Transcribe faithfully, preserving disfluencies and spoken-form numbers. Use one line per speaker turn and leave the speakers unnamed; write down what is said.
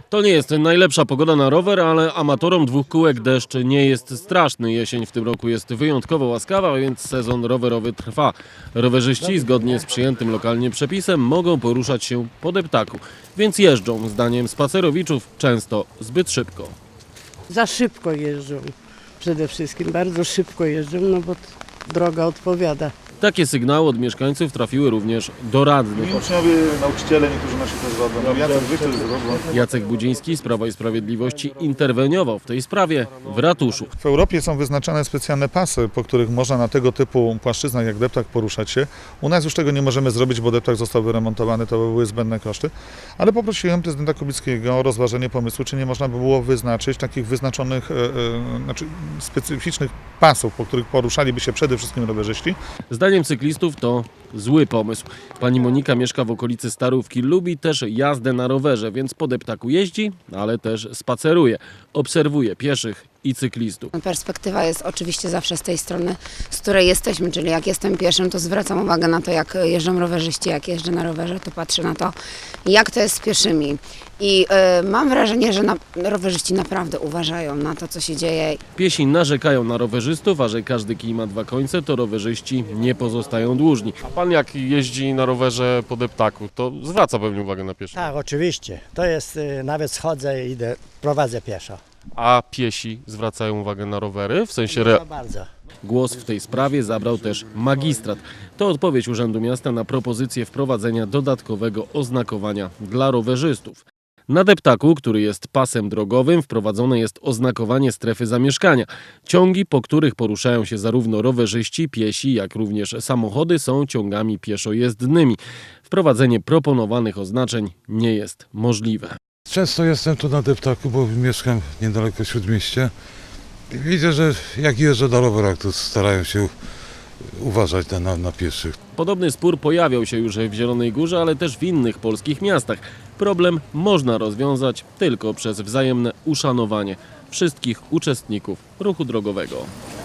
To nie jest najlepsza pogoda na rower, ale amatorom dwóch kółek deszcz nie jest straszny. Jesień w tym roku jest wyjątkowo łaskawa, więc sezon rowerowy trwa. Rowerzyści zgodnie z przyjętym lokalnie przepisem mogą poruszać się po deptaku, więc jeżdżą, zdaniem spacerowiczów, często zbyt szybko.
Za szybko jeżdżą. Przede wszystkim bardzo szybko jeżdżą, no bo droga odpowiada.
Takie sygnały od mieszkańców trafiły również do radnych.
Uczniowie, nauczyciele, niektórzy nasi też robią. Jacek Wyczyl zrobił.
Jacek Budziński z Prawa i Sprawiedliwości interweniował w tej sprawie w ratuszu.
W Europie są wyznaczane specjalne pasy, po których można na tego typu płaszczyznach jak deptak poruszać się. U nas już tego nie możemy zrobić, bo deptak został wyremontowany, to by były zbędne koszty. Ale poprosiłem prezydenta Kubickiego o rozważenie pomysłu, czy nie można by było wyznaczyć takich wyznaczonych, e, e, znaczy specyficznych pasów, po których poruszaliby się przede wszystkim rowerzyści.
Zdaniem cyklistów to zły pomysł. Pani Monika mieszka w okolicy Starówki, lubi też jazdę na rowerze, więc po deptaku jeździ, ale też spaceruje. Obserwuje pieszych i cyklistów.
Perspektywa jest oczywiście zawsze z tej strony, z której jesteśmy, czyli jak jestem pieszym, to zwracam uwagę na to, jak jeżdżą rowerzyści, jak jeżdżę na rowerze, to patrzę na to, jak to jest z pieszymi. I y, mam wrażenie, że na, rowerzyści naprawdę uważają na to, co się dzieje.
Piesi narzekają na rowerzystów, a że każdy kij ma dwa końce, to rowerzyści nie pozostają dłużni.
A pan jak jeździ na rowerze po deptaku, to zwraca pewnie uwagę na pieszych.
Tak, oczywiście. To jest, y, nawet schodzę i idę, prowadzę pieszo.
A piesi zwracają uwagę na rowery? W sensie... Re...
Bardzo, bardzo.
Głos w tej sprawie zabrał też magistrat. To odpowiedź Urzędu Miasta na propozycję wprowadzenia dodatkowego oznakowania dla rowerzystów. Na deptaku, który jest pasem drogowym, wprowadzone jest oznakowanie strefy zamieszkania. Ciągi, po których poruszają się zarówno rowerzyści, piesi, jak również samochody, są ciągami pieszojezdnymi. Wprowadzenie proponowanych oznaczeń nie jest możliwe.
Często jestem tu na deptaku, bo mieszkam niedaleko Śródmieścia. I widzę, że jak jeżdżę na rowerach, to starają się uważać na, na, na pieszych.
Podobny spór pojawiał się już w Zielonej Górze, ale też w innych polskich miastach. Problem można rozwiązać tylko przez wzajemne uszanowanie wszystkich uczestników ruchu drogowego.